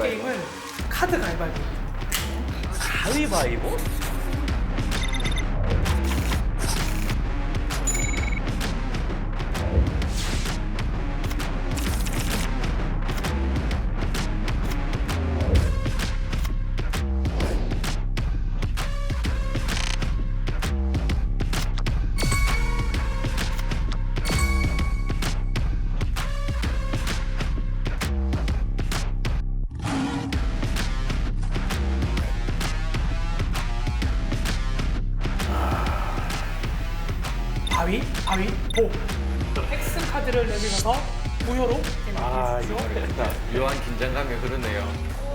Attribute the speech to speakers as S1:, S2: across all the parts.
S1: 게임은 카드 가위바위보.
S2: 가위바위보?
S1: 바위보. X 카드를 내밀어서 무효로
S3: 아,
S1: 게임을
S3: 이거
S1: 해주십시오.
S3: 어렵다.
S2: 묘한 긴장감이 흐르네요.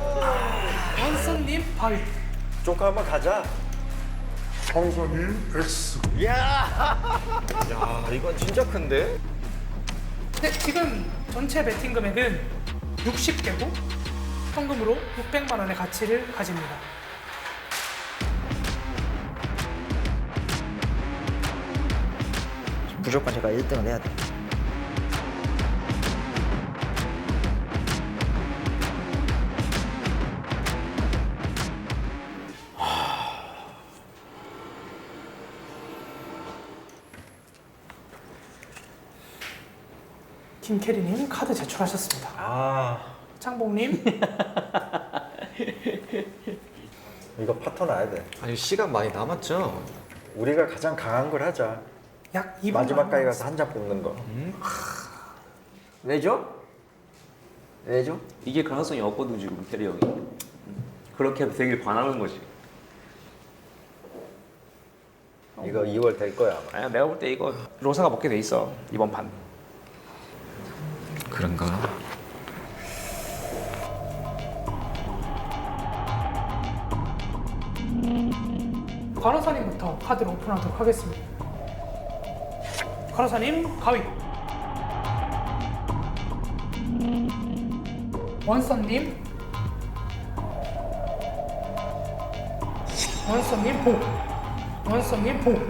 S1: 원선님 바위.
S3: 쪼까 한번 가자.
S4: 황선님 X.
S3: 야, 이건 진짜 큰데?
S1: 네, 지금 전체 베팅 금액은 60개고 현금으로 600만 원의 가치를 가집니다.
S5: 무조건 제가 1등을 해야 돼.
S1: 김캐리님 카드 제출하셨습니다.
S3: 아,
S1: 창봉님
S3: 이거 파토 나야 돼.
S2: 아니 시간 많이 남았죠?
S3: 우리가 가장 강한 걸 하자.
S1: 약 2분
S3: 마지막까지 가서 한 장 뽑는 거.
S5: 왜죠? 왜죠?
S6: 이게 가능성이 없거든 지금 캐리 형이. 그렇게 해도 되길 바라는 거지.
S3: 이거 2월 될 거야 아마.
S7: 아니야, 내가 볼 때 이거 로사가 먹게 돼 있어 이번 판.
S2: 그런가?
S1: 관호사님부터 카드를 오픈하도록 하겠습니다. 관호사님 가위. 원선님 보. 원선님 보.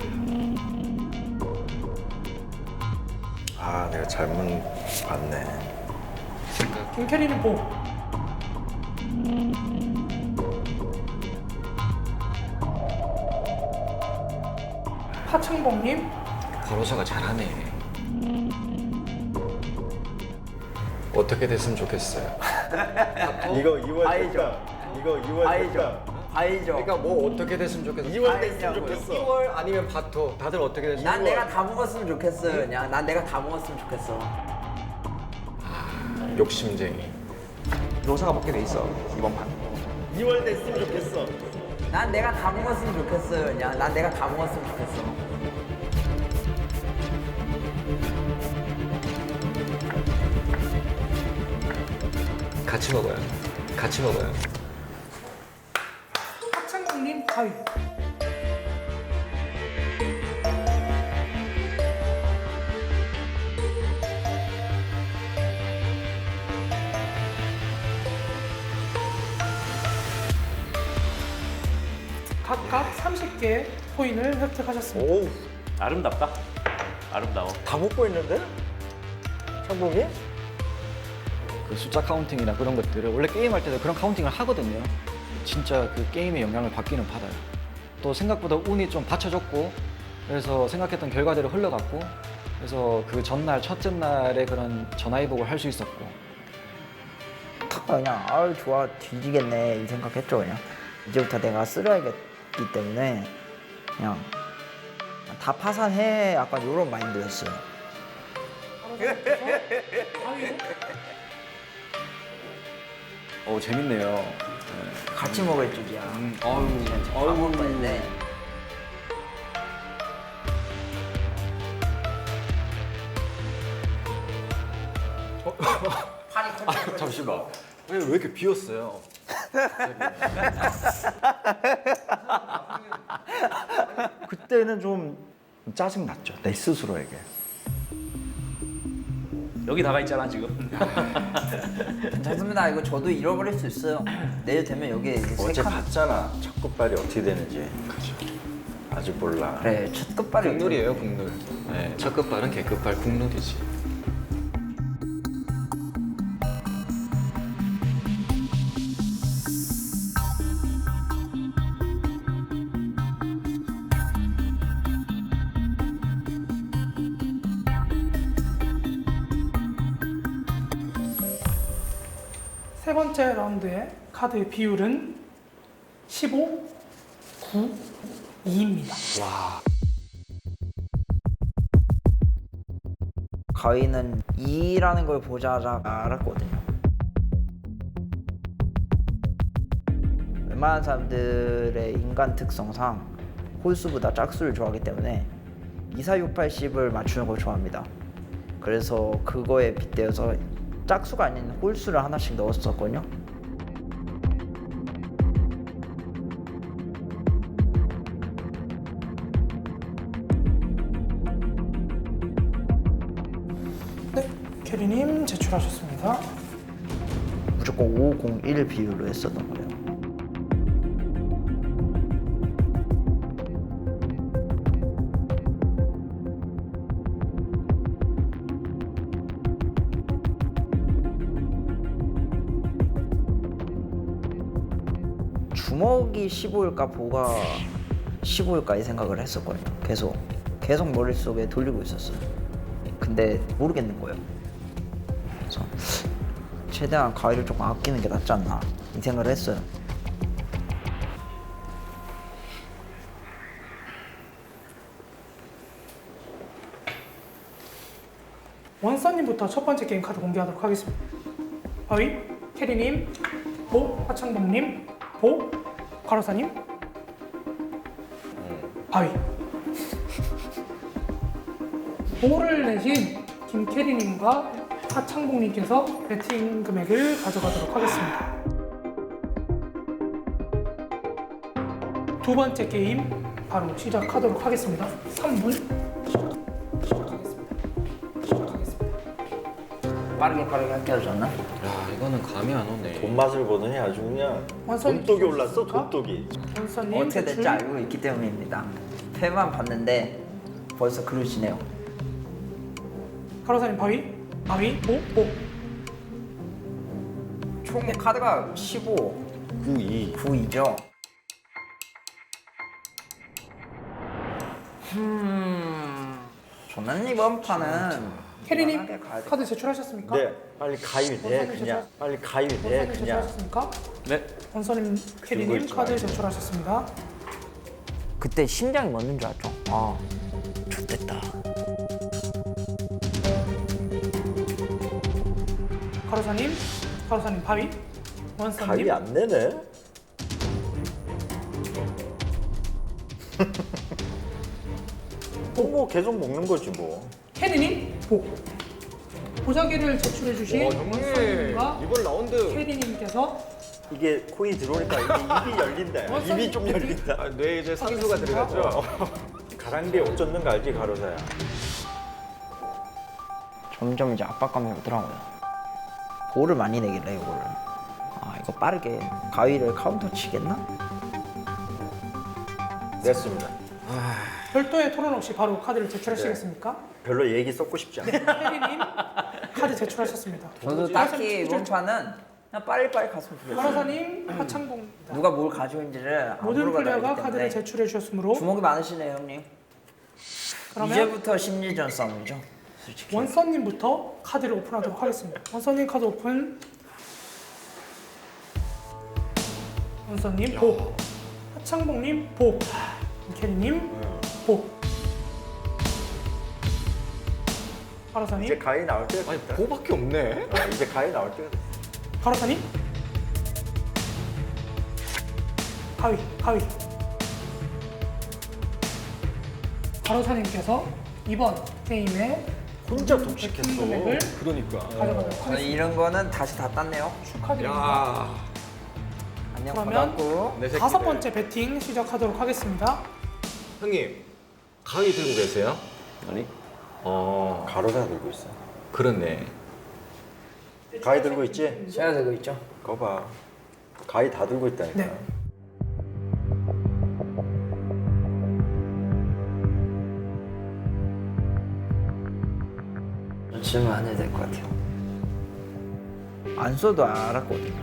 S3: 아, 내가 잘못 봤네.
S1: 김캐리님 보. 하창봉님
S2: 바로사가 잘하네. 어떻게 됐으면 좋겠어요.
S3: 이거 2월
S5: 바이죠.
S3: 됐다. 이거 2월
S5: 바이죠.
S3: 됐다.
S5: 바이죠.
S2: 그러니까 뭐 어떻게 됐으면 좋겠어.
S3: 2월 됐으면 좋겠어.
S2: 2월 아니면 바토. 다들 어떻게 됐으면
S5: 난 내가 다 먹었으면 좋겠어. 그냥 난 내가 다 먹었으면 좋겠어.
S2: 욕심쟁이.
S7: 로사가 먹게 돼 있어 이번 판.
S3: 2월 됐으면 좋겠어.
S5: 난 내가 다 먹었으면 좋겠어. 그냥 난 내가 다 먹었으면 좋겠어.
S2: 같이 먹어요. 같이 먹어요.
S1: 하창봉님 가위. 각각 30개의 코인을 획득하셨습니다.
S3: 오우,
S6: 아름답다. 아름다워.
S3: 다 먹고 있는데? 창봉이?
S8: 그 숫자 카운팅이나 그런 것들을 원래 게임할 때도 그런 카운팅을 하거든요. 진짜 그 게임의 영향을 받기는 받아요. 또 생각보다 운이 좀 받쳐줬고 그래서 생각했던 결과대로 흘러갔고 그래서 그 전날 첫째 날에 그런 전화위복을 할 수 있었고
S5: 그냥 아유 좋아 뒤지겠네 이 생각했죠. 그냥 이제부터 내가 쓸어야겠기 때문에 그냥 다 파산해 약간 이런 마인드였어요.
S1: 가위로
S8: 재밌네요.
S5: 같이 먹을 줄이야.
S8: 아유,
S5: 다 먹을 뻔했네.
S8: 잠시만. 왜 이렇게 비었어요? 그때는 좀 짜증 났죠. 내 스스로에게.
S7: 여기 나가 있잖아 지금.
S5: 괜찮습니다. 이거 저도 잃어버릴 수 있어요. 내일 되면 여기에 이제 세
S3: 어제
S5: 칸.
S3: 봤잖아. 첫 끝발이 어떻게 되는지. 아직 몰라.
S5: 그래 첫 끝발이
S2: 국룰이에요, 국룰. 네, 첫 끝발은 개끝발 국룰이지.
S1: 세 번째 라운드의 카드 비율은 15, 9, 2입니다.
S5: 가위는 2라는 걸 보자마자 알았거든요. 웬만한 사람들의 인간 특성상 홀수보다 짝수를 좋아하기 때문에 2, 4, 6, 8, 10을 맞추는 걸 좋아합니다. 그래서 그거에 빗대어서 짝수가 아닌 홀수를 하나씩 넣었었거든요.
S1: 네, 캐리님 제출하셨습니다.
S5: 무조건 5, 0, 1 비율로 했었던 거예요. 주먹이 15일까 보가 15일까 이 생각을 했었거든요. 계속 머릿속에 돌리고 있었어요. 근데 모르겠는 거예요. 그래서 최대한 가위를 조금 아끼는 게 낫지 않나 이 생각을 했어요.
S1: 원서님부터 첫 번째 게임 카드 공개하도록 하겠습니다. 바위, 캐리님, 보, 하창범님, 보, 가로사님, 바위. 보를 내신 김캐리님과 하창봉님께서 배팅 금액을 가져가도록 하겠습니다. 두 번째 게임 바로 시작하도록 하겠습니다. 3분 시작하겠습니다.
S5: 빠르게 합격하셨나?
S2: 야, 이거는 감이 안 오네.
S3: 돈 맛을 보더니 아주 그냥
S1: 완선이
S3: 돈독이 올랐어,
S1: 되셨습니까?
S3: 돈독이.
S1: 원서님
S5: 어떻게 될지
S1: 제출.
S5: 알고 있기 때문입니다. 패만 봤는데 벌써 그러시네요.
S1: 가로사님 바위, 바위, 보, 보.
S5: 총 카드가 15,
S3: 9, 2.
S5: 9이죠. 저는 이번 판은
S1: 캐리님
S5: 무난하게 가야 돼.
S1: 카드 제출하셨습니까?
S3: 네, 빨리 가위 내
S1: 원서님
S3: 그냥. 빨리 가위 내
S1: 원서님
S3: 그냥.
S1: 제출하셨습니까?
S7: 네.
S1: 원서님, 캐리님
S3: 있지
S1: 카드
S3: 말고.
S1: 제출하셨습니다.
S5: 그때 심장이 멎는 줄 알았죠. 아, 좋됐다.
S1: 가로사님 바위, 원서님,
S3: 가위 안 내네. 뭐 계속 먹는 거지 뭐.
S1: 캐리님, 보. 보자기를 제출해주신 원서님과
S2: 이번 라운드.
S1: 캐리님께서
S3: 이게 코인이 들어오니까 이게 입이 열린다.
S1: 원서님
S3: 입이 좀 열린다.
S2: 아, 뇌에 이제 산소가 들어갔죠.
S3: 가랑비에 옷 젖는 거 알지, 가로사야?
S5: 점점 이제 압박감이 오더라고요. 볼을 많이 내길래 이거를. 아, 이거 빠르게 가위를 카운터 치겠나?
S3: 냈습니다.
S1: 별도의 토론 없이 바로 카드를 제출하시겠습니까?
S3: 별로 얘기 썩고 싶지 않아.
S1: 캐리님 카드 제출하셨습니다.
S5: 저도 딱히 이번 판은 그냥 빨리빨리 갔으면 좋겠어요.
S1: 가로사님, 하창봉.
S5: 누가 뭘 가지고 있는지를 안
S1: 모든
S5: 물어봐도
S1: 플레이어가
S5: 알기
S1: 카드를
S5: 때문에
S1: 제출해 주셨으므로
S5: 주먹이 많으시네요, 형님.
S1: 그러면
S5: 이제부터 심리전 싸움이죠, 솔직히.
S1: 원서님부터 카드를 오픈하도록 하겠습니다. 원서님 카드 오픈. 원서님 보. 하창봉님 보. 캐리님 보. 가로사님,
S3: 이제 가위 나올 때가
S2: 아니,
S3: 됐다.
S2: 보밖에 없네.
S3: 이제 가위 나올 때가 됐다.
S1: 가로사님 가위. 가로사님께서 이번 게임에
S3: 혼자
S1: 배팅
S3: 독식했어.
S1: 금액을
S2: 그러니까.
S1: 가져가도록
S5: 저는
S1: 하겠습니다.
S5: 이런 거는 다시 다 땄네요.
S1: 축하드립니다.
S2: 야.
S5: 안녕,
S1: 그러면
S5: 받았고.
S2: 내 새끼들.
S1: 다섯 번째 배팅 시작하도록 하겠습니다.
S2: 형님, 가위 들고 계세요?
S6: 아니?
S3: 가로사 들고 있어.
S2: 그렇네.
S3: 가위 들고 있지?
S5: 제가 들고 있죠.
S3: 그거 봐. 가위 다 들고 있다니까.
S1: 네.
S5: 질문 안 해도 될 것 같아요. 안 써도 알았거든요.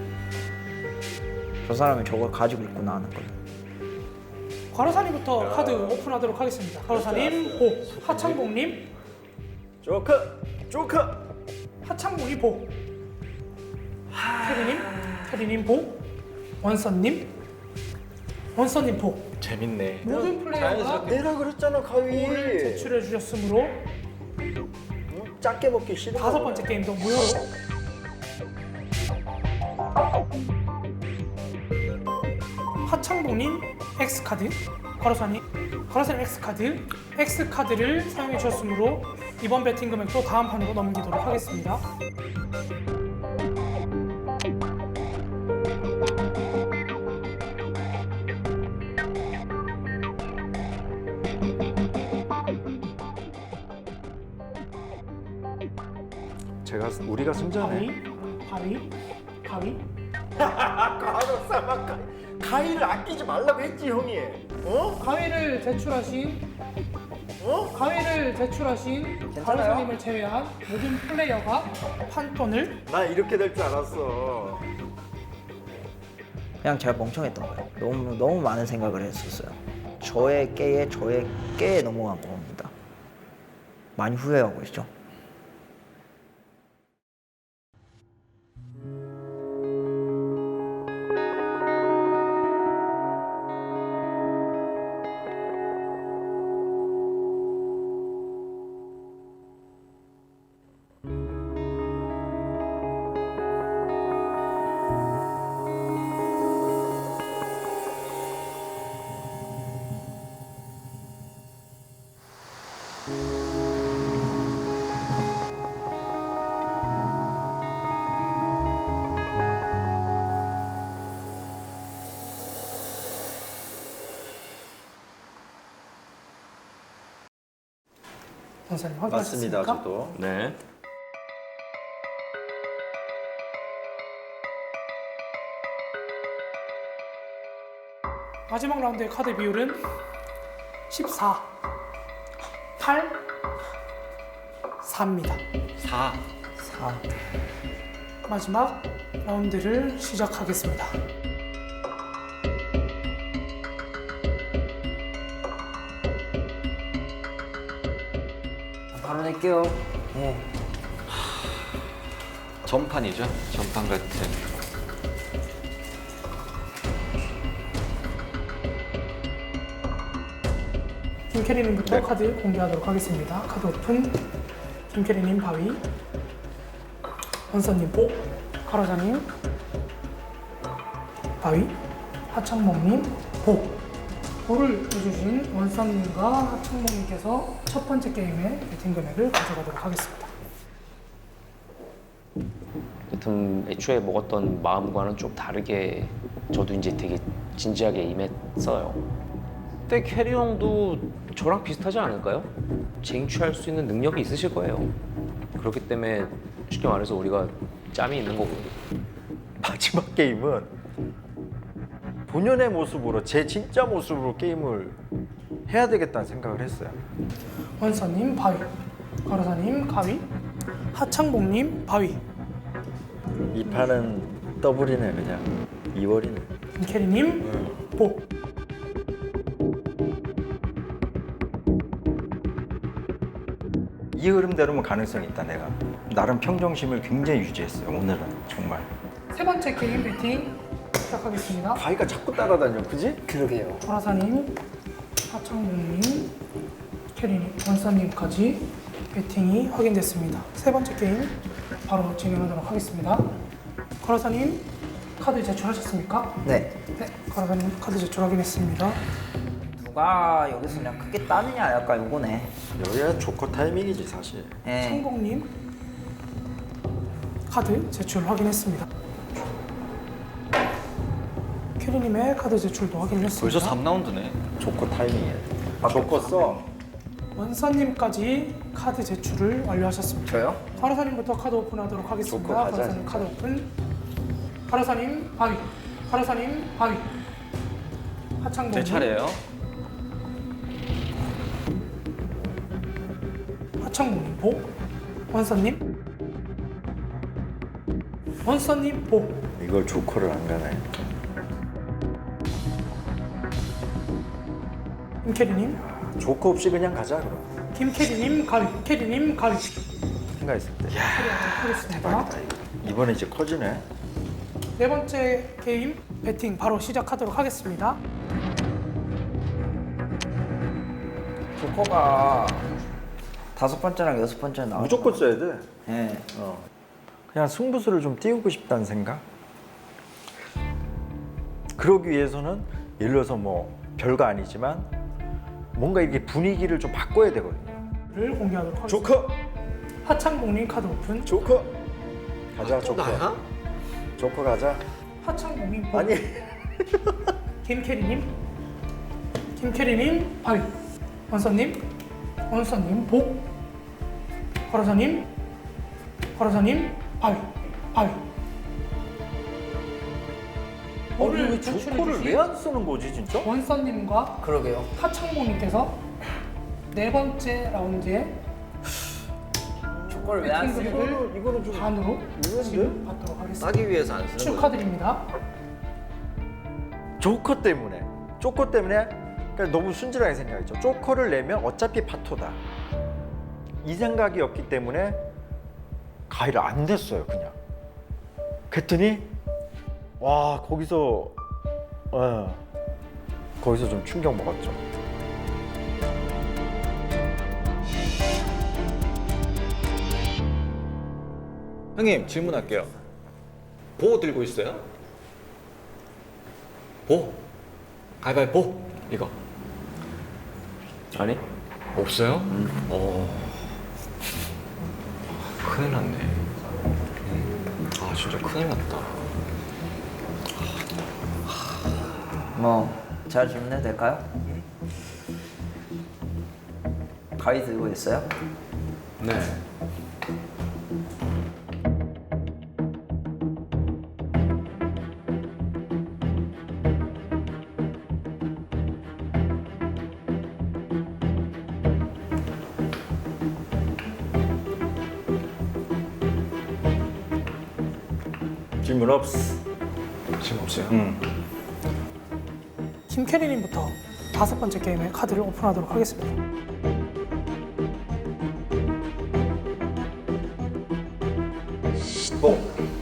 S5: 저 사람이 저걸 가지고 있구나 하는 걸.
S1: 가로사님부터 카드 오픈하도록 하겠습니다. 가로사님 보. 하창봉님
S3: 조크!
S1: 하창봉이 보. 캐리님 보, 원서님 보.
S2: 재밌네.
S1: 모든 플레이어가
S3: 내라 그랬잖아 가위.
S1: 볼을 제출해 주셨으므로
S3: 작게 먹기 싫은
S1: 5번째 게임도 무효로 하창봉님 X카드, 가로사님 X카드를 사용해 주셨으므로 이번 배팅 금액도 다음 판으로 넘기도록 하겠습니다.
S2: 우리가 승자네.
S1: 가위
S3: 가위를 아끼지 말라고 했지 형이.
S1: 가위를 제출하신 가로사님을 제외한 모든 플레이어가 판돈을
S3: 나 이렇게 될 줄 알았어.
S5: 그냥 제가 멍청했던 거예요. 너무 많은 생각을 했었어요. 저의 깨에 넘어간 겁니다. 많이 후회하고 있죠.
S1: 원서님
S3: 맞습니다,
S1: 확인하셨습니까?
S3: 저도.
S6: 네.
S1: 마지막 라운드의 카드 비율은 14, 8, 4입니다.
S8: 4.
S1: 마지막 라운드를 시작하겠습니다.
S5: 바로 낼게요. 예.
S3: 전판이죠. 전판 같은.
S1: 김캐리님부터 카드 공개하도록 하겠습니다. 카드 오픈. 김캐리님 바위, 원서님 보, 가로사님 바위, 하창몽님 보. 보를 해주신 원서님과 하창몽님께서 첫 번째 게임의 배팅 금액을 가져가도록 하겠습니다.
S6: 여튼 애초에 먹었던 마음과는 좀 다르게 저도 이제 되게 진지하게 임했어요. 그때 캐리 형도 저랑 비슷하지 않을까요? 쟁취할 수 있는 능력이 있으실 거예요. 그렇기 때문에 쉽게 말해서 우리가 짬이 있는 거고.
S3: 마지막 게임은 본연의 모습으로 제 진짜 모습으로 게임을 해야 되겠다는 생각을 했어요.
S1: 원서님 바위, 가로사님 가위, 하창봉님 바위,
S3: 이 판은 더블이네 그냥 2월이네.
S1: 김캐리님 보.
S3: 이 흐름대로면 가능성이 있다. 내가 나름 평정심을 굉장히 유지했어요. 오늘은 정말.
S1: 세 번째 게임 배팅 시작하겠습니다.
S3: 가위가 자꾸 따라다녀, 그지?
S5: 그러게요.
S1: 조라사님, 하창봉님, 캐리님, 원서님까지 배팅이 확인됐습니다. 세 번째 게임 바로 진행하도록 하겠습니다. 가로사님 카드 제출하셨습니까?
S5: 네.
S1: 네, 가로사님 카드 제출 확인했습니다.
S5: 누가 여기서 그냥 크게 따느냐 약간 요거네.
S3: 여기가 조커 타이밍이지 사실.
S5: 예.
S1: 창봉님 카드 제출 확인했습니다. 캐리님의 카드 제출도 확인을 했습니다.
S8: 벌써 3라운드네.
S3: 조커 타이밍이야. 조커 써.
S1: 원서님까지 카드 제출을 완료하셨습니다.
S5: 저요?
S1: 가로사님부터 카드 오픈하도록 하겠습니다.
S3: 좋고 가자,
S1: 가로사님
S3: 진짜.
S1: 카드 오픈. 가로사님 바위. 가로사님 바위. 하창봉.
S8: 제 차례예요.
S1: 하창봉님 보. 원서님. 원서님 보.
S3: 이걸 조커를 안 가네.
S1: 김캐리님.
S3: 조커 없이 그냥 가자 그럼.
S1: 김캐리님 가위. 캐리님 가위.
S3: 생각했을 때.
S1: 처리하도록 하겠습니다.
S3: 이번에 이제 커지네.
S1: 네 번째 게임 배팅 바로 시작하도록 하겠습니다.
S5: 조커가 5번째랑 6번째 나와.
S3: 무조건 써야 돼.
S5: 네.
S3: 그냥 승부수를 좀 띄우고 싶다는 생각. 그러기 위해서는 예를 들어서 뭐 별거 아니지만 뭔가 이게 분위기를 좀 바꿔야 되거든요.
S1: 를 공개하도록 하겠습니다.
S3: 조커,
S1: 하창봉님 카드 오픈.
S3: 조커. 가자 조커. 조커 가자.
S1: 하창봉님 복.
S3: 아니
S1: 김캐리님 바위. 원서님 복. 거로사님 바위.
S3: 아니 왜
S1: 오늘
S3: 조커를
S1: 제출해주신
S3: 왜 안 쓰는 거지 진짜?
S1: 원서님과
S5: 그러게요.
S1: 하창봉님께서 네 번째 라운드에
S5: 조커를 왜 안 쓰는 거야?
S1: 배팅금액을
S3: 이거는 좀
S1: 반으로
S3: 이건데?
S1: 지금 받도록 하겠습니다.
S5: 싸기 위해서 안 쓰는 거예요.
S1: 축하드립니다.
S3: 조커 때문에 그러니까 너무 순진하게 생각했죠. 조커를 내면 어차피 파토다 이 생각이었기 때문에 가위를 안 댔어요. 그냥 그랬더니 와 거기서 좀 충격 먹었죠.
S4: 형님 질문할게요. 보 들고 있어요? 보. 가위바위보. 이거
S6: 아니?
S4: 없어요? 큰일 났네. 아 진짜 큰일 났다.
S5: 뭐 제가 질문해도 될까요? 가위 들고 있어요?
S4: 네.
S3: 질문 없어.
S4: 지금 없어요?
S1: 김캐리님부터 5번째 게임의 카드를 오픈하도록 하겠습니다.
S3: 뽕.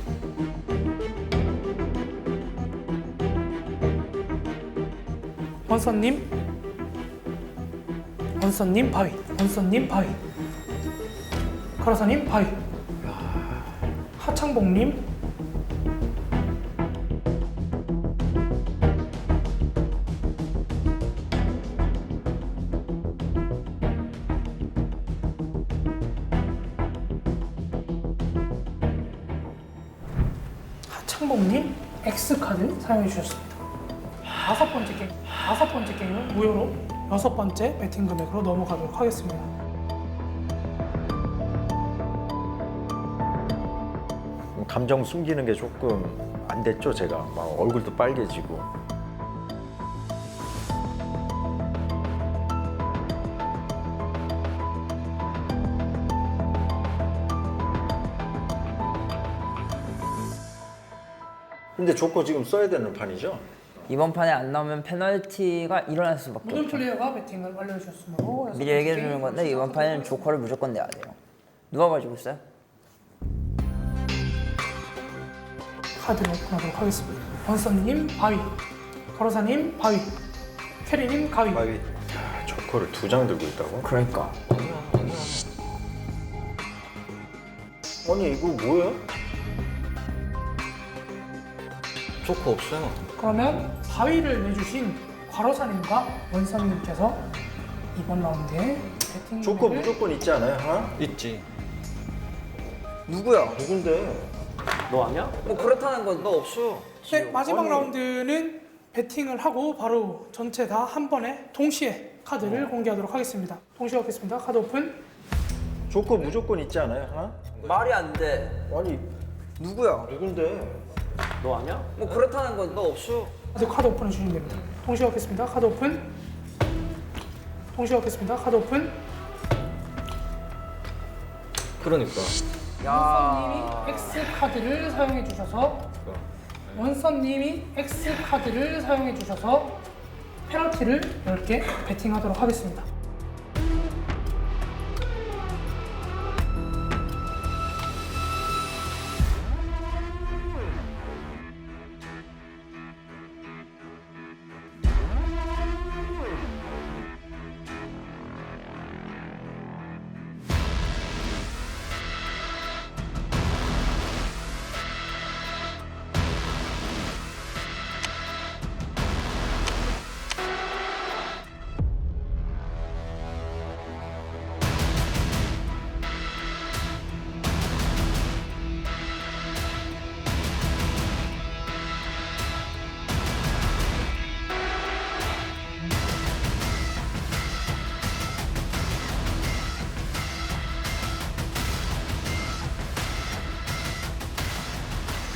S1: 원서님 바위. 가로사님 바위. 하창봉님 하창봉님 X카드 사용해 주셨습니다. 5번째 게임은 무효로 6번째 배팅 금액으로 넘어가도록 하겠습니다.
S3: 감정 숨기는 게 조금 안 됐죠. 제가 막 얼굴도 빨개지고. 근데 조커 지금 써야 되는 판이죠?
S5: 이번 판에 안 나오면 페널티가 일어날 수밖에
S1: 모든
S5: 없죠.
S1: 플레이어가 배팅을 완료해주셨으므로
S5: 미리 얘기해 주는 건데 이번 판에는 조커를 무조건 내야 돼요. 누가 가지고 있어요?
S1: 카드를 오픈하도록 하겠습니다. 원서님 바위, 거로사님 바위, 캐리님 가위.
S3: 조커를 2장 들고 있다고?
S5: 그러니까
S3: 아니 이거 뭐야?
S4: 조커 없어요.
S1: 그러면 바위를 내주신 과로사님과 원서님께서 이번 라운드에 배팅
S3: 조커
S1: 금액을
S3: 무조건 있지 않아요? 하나?
S4: 있지.
S5: 누구야?
S3: 누군데?
S6: 너 아니야?
S5: 뭐 그렇다는 건
S4: 나 없어.
S1: 네, 마지막 라운드는 배팅을 하고 바로 전체 다 한 번에 동시에 카드를 공개하도록 하겠습니다. 동시에 하겠습니다. 카드 오픈.
S3: 조커 무조건 있지 않아요? 하나?
S5: 말이 안 돼.
S3: 아니
S5: 누구야?
S3: 누군데?
S6: 너 아니야?
S5: 뭐 그렇다는 건 너 없어.
S1: 카드 오픈해 주시면 됩니다. 동시에 하겠습니다. 카드 오픈. 동시에 하겠습니다. 카드 오픈.
S4: 그러니까.
S1: 원서님이 X 카드를 사용해 주셔서 페널티를 10개 배팅하도록 하겠습니다.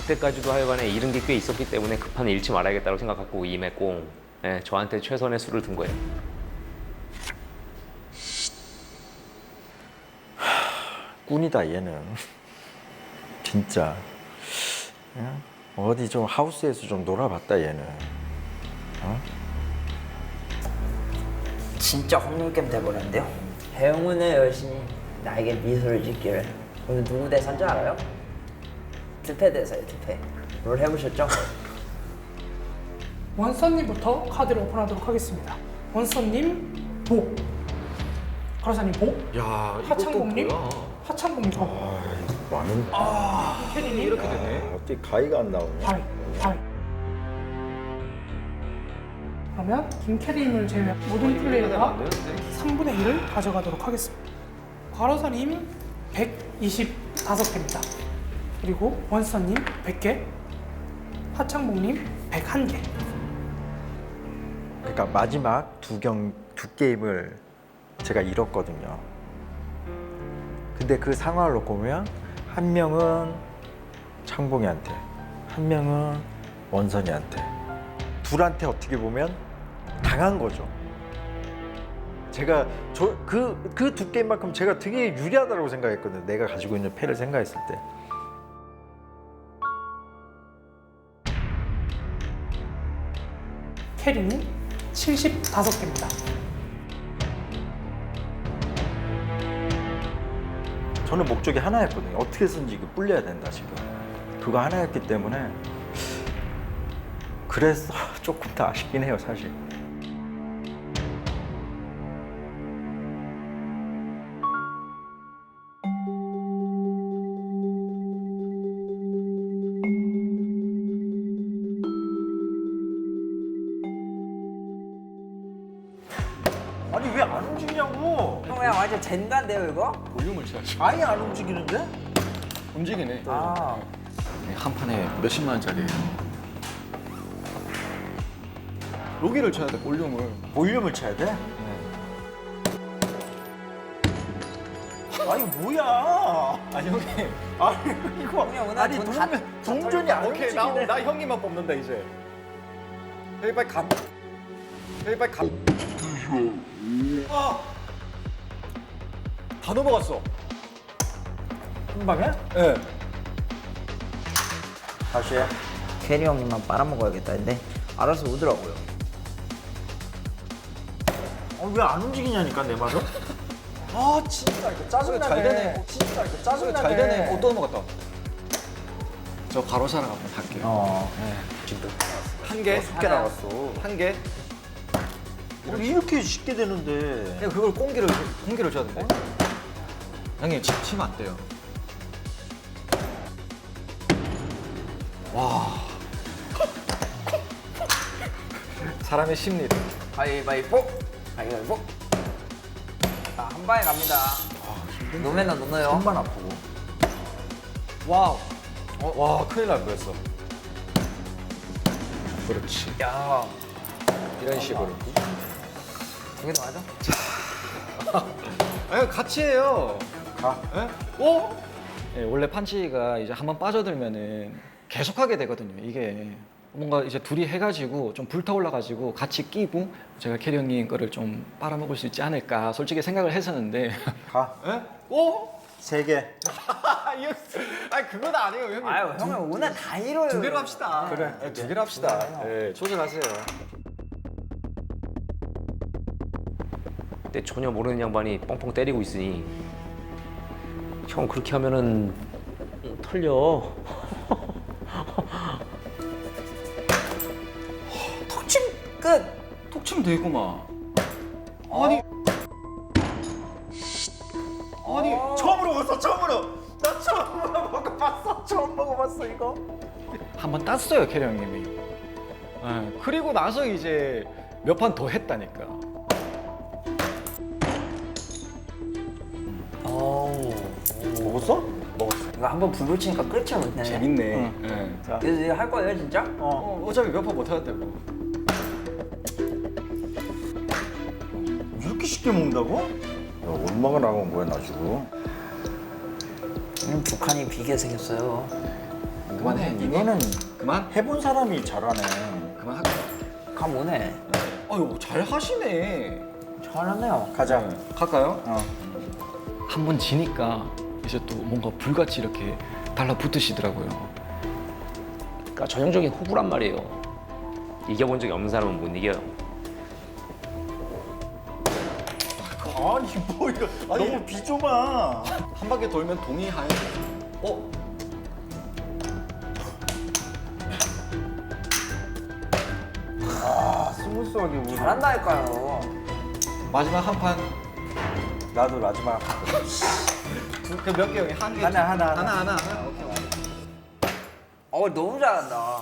S6: 그때까지도 하여간에 잃은 게 꽤 있었기 때문에 급한 잃지 말아야겠다고 생각하고 임했고, 예, 저한테 최선의 수를 둔 거예요.
S3: 꾼이다 얘는. 진짜. 그냥 어디 좀 하우스에서 좀 놀아봤다 얘는.
S5: 진짜 홍님겜 돼버렸는데요. 행운의 여신이 나에게 미소를 짓기를. 오늘 누구 대사인지 알아요? 투패 대사예요, 투패. 롤 해보셨죠?
S1: 원서님부터 카드를 오픈하도록 하겠습니다. 원서님 복, 가로사님 복,
S4: 야,
S1: 하창봉님 하창봉님 복,
S3: 많은.
S1: 캐리님
S4: 이렇게 되네.
S3: 어떻게 가위가 안 나오냐?
S1: 바위, 바위. 그러면 김캐리님을 제외한 모든 플레이어가 3분의 1을 가져가도록 하겠습니다. 과로사님 125개입니다. 그리고 원서님 100개, 하창봉님 101개.
S3: 그러니까 마지막 두 게임을 제가 잃었거든요. 근데 그 상황을 놓고 보면 한 명은 창봉이한테, 한 명은 원선이한테, 둘한테 어떻게 보면 당한 거죠. 제가 그 두 게임만큼 제가 되게 유리하다고 생각했거든요. 내가 가지고 있는 패를 생각했을 때.
S1: 캐리님 75개입니다.
S3: 저는 목적이 하나였거든요. 어떻게 해서든지 이거 불려야 된다 지금. 그거 하나였기 때문에 그래서 조금 더 아쉽긴 해요 사실. 아니 왜 안 움직이냐고.
S5: 형 그냥 완전 젠가인데요 이거?
S8: 볼륨을 쳐야지.
S3: 아예 안 움직이는데?
S8: 움직이네.
S5: 아
S8: 한 판에 몇십만 원짜리예요. 여기를 쳐야 돼, 볼륨을.
S3: 볼륨을 쳐야 돼? 아니 뭐야?
S8: 아니 형님.
S3: 아니 이거
S5: 형님 오늘
S3: 아니
S5: 돈 다-
S3: 동전이 안
S8: 오케이,
S3: 움직이네.
S8: 나 형님만 뽑는다 이제. 여기 빨리 가. 여기 빨리 가. 아! 다 넘어갔어.
S3: 한 방에?
S8: 예.
S3: 다시 해.
S5: 캐리 형님만 빨아먹어야겠다 근데 알아서 오더라고요.
S3: 왜 안 움직이냐니까 내 말은? 아 진짜 이거 짜증나네.
S8: 잘 되네.
S3: 진짜 이거 짜증나네.
S8: 잘 되네. 또 넘어갔다. 저 가로사랑 한번 할게요.
S3: 어.
S8: 한 개.
S3: 쉽게 나왔어.
S8: 한 개.
S3: 이렇게 쉽게 되는데.
S8: 그냥 그걸 공기를 줘야 돼. 형님 치면 안 돼요. 와. 사람의 심리.
S5: 가위바위보. 가위바위보. 자한 방에 갑니다. 노매너 노너요.
S3: 손만 아프고.
S8: 와우. 와 큰일 날 뻔했어. 그렇지.
S5: 야
S8: 이런 식으로.
S5: 두 개도 맞아?
S8: 아니 같이 해요.
S3: 가.
S8: 예? 오? 예, 원래 판치가 이제 한번 빠져들면은 계속하게 되거든요. 이게 뭔가 이제 둘이 해가지고 좀 불타올라가지고 같이 끼고 제가 캐리 형님 거를 좀 빨아먹을 수 있지 않을까 솔직히 생각을 했었는데.
S3: 가.
S8: 예? 오?
S3: 3개.
S8: 아니 그건 아니에요 형님.
S5: 아유 형님 오늘 다 이뤄요.
S8: 두 개로 합시다. 그래. 네, 두 개로 합시다. 예, 조절하세요.
S6: 근데 전혀 모르는 양반이 뻥뻥 때리고 있으니 형 그렇게 하면은 털려.
S5: 톡침 끝.
S8: 톡 치면 되구만. 아니. 아니.
S3: 처음 먹어봤어 처음으로. 나 처음 먹어봤어. 처음 먹어봤어 이거.
S8: 한번 땄어요 캐리 형님이. 예, 그리고 나서 이제 몇 판 더 했다니까.
S3: 먹었어?
S5: 이거 한번 불 붙이니까 끝이 못네.
S8: 재밌네. 예.
S5: 이거 할 거예요 진짜?
S8: 어차피 몇 판 못 하는데
S3: 이렇게 쉽게 먹는다고? 야, 얼마가 나간 거야 나 지금?
S5: 북한이 비게 생겼어요.
S8: 그만해.
S3: 이거는
S8: 그만?
S3: 해본 사람이 잘하네.
S8: 그만할까?
S5: 감 오네.
S8: 아유 잘 하시네.
S5: 잘하네요.
S3: 가자.
S8: 갈까요?
S3: 어.
S8: 한 번 지니까 이제 또 뭔가 불같이 이렇게 달라붙으시더라고요.
S6: 그러니까 전형적인 호구란 말이에요. 이겨본 적이 없는 사람은 못 이겨요.
S3: 아니 뭐 이거 너무 비좁아.
S8: 한 바퀴 돌면 동의하에.
S3: 스무스하게 우리.
S5: 잘한다니까요.
S8: 마지막 한 판.
S3: 나도 마지막
S8: 그 몇 개? 한 개?
S3: 하나.
S8: 하나. 오케이.
S5: 너무 잘한다.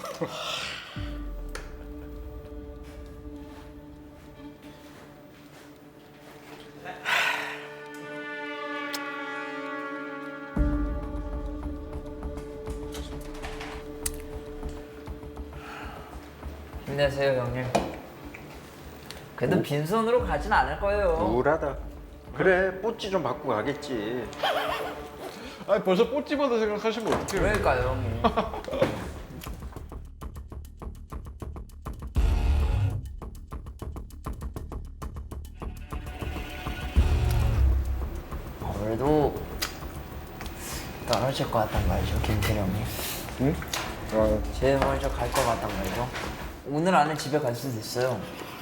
S5: 힘내세요, 형님. 그래도 빈손으로 가진 않을 거예요.
S3: 우울하다. 그래, 뽀찌 좀 받고 가겠지.
S2: 아니 벌써 뽀찌받아 생각하시면 어떡해요?
S5: 그러니까요, 형님. 그래도 떨어질 것 같단 말이죠, 김태리 형님.
S3: 응?
S5: 제일 먼저 갈 것 같단 말이죠. 오늘 안에 집에 갈 수도 있어요.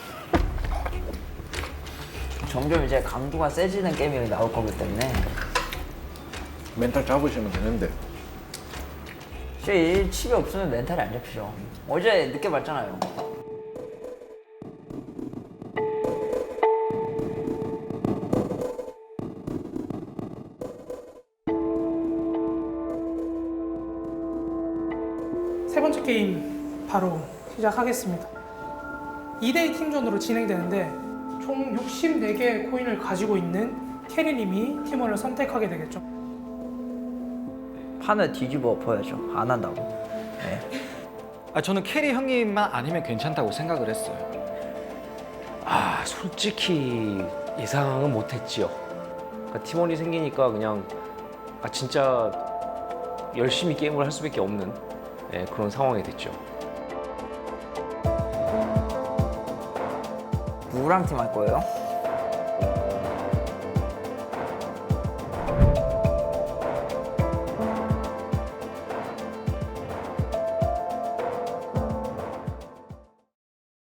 S5: 점점 이제 강도가 세지는 게임이 나올 거기 때문에
S2: 멘탈 잡으시면 되는데.
S5: 이 칩이 없으면 멘탈이 안 잡히죠. 어제 늦게 봤잖아요.
S1: 세 번째 게임 바로 시작하겠습니다. 2대2 팀전으로 진행되는데 총 64개의 코인을 가지고 있는 캐리님이 팀원을 선택하게 되겠죠.
S5: 판을 뒤집어 엎어야죠. 안 한다고. 네.
S8: 저는 캐리 형님만 아니면 괜찮다고 생각을 했어요.
S6: 아 솔직히 예상은 못했지요. 그러니까 팀원이 생기니까 그냥 진짜 열심히 게임을 할 수밖에 없는 그런 상황이 됐죠.
S5: 누구랑 팀 할 거예요?